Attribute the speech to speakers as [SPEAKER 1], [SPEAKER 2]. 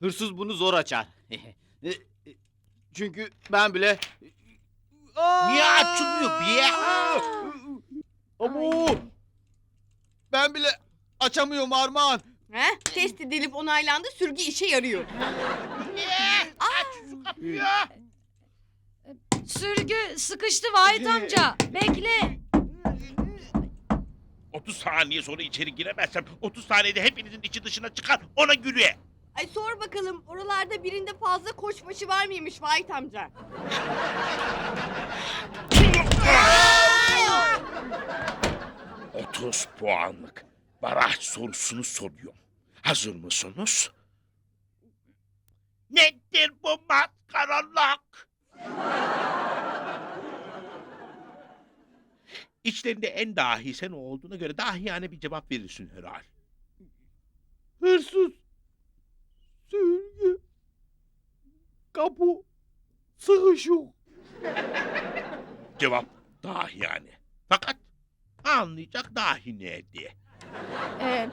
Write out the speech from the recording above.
[SPEAKER 1] Hırsız bunu zor açar. Çünkü ben bile...
[SPEAKER 2] Niye açılmıyor be?
[SPEAKER 1] Abo! Ben bile açamıyorum Armağan.
[SPEAKER 3] He? Test edilip onaylandı, sürgü işe yarıyor.
[SPEAKER 2] Aç şu kapıyı.
[SPEAKER 4] Sürgü sıkıştı Vahit amca. Bekle.
[SPEAKER 2] 30 saniye sonra içeri giremezsem 30 saniyede hepinizin içi dışına çıkar ona göre.
[SPEAKER 3] Ay sor bakalım, oralarda birinde fazla koçbaşı var mıymış Vahit amca?
[SPEAKER 2] 30 puanlık baraj sorusunu soruyorum. Hazır mısınız? Nedir bu maskaralık? İçlerinde en dahi sen olduğuna göre dahiyane bir cevap verirsin herhal.
[SPEAKER 1] Hırsız. Sürgü. Kapı. Sıkışık.
[SPEAKER 2] Cevap dahiyane. Fakat anlayacak dahi ne diye.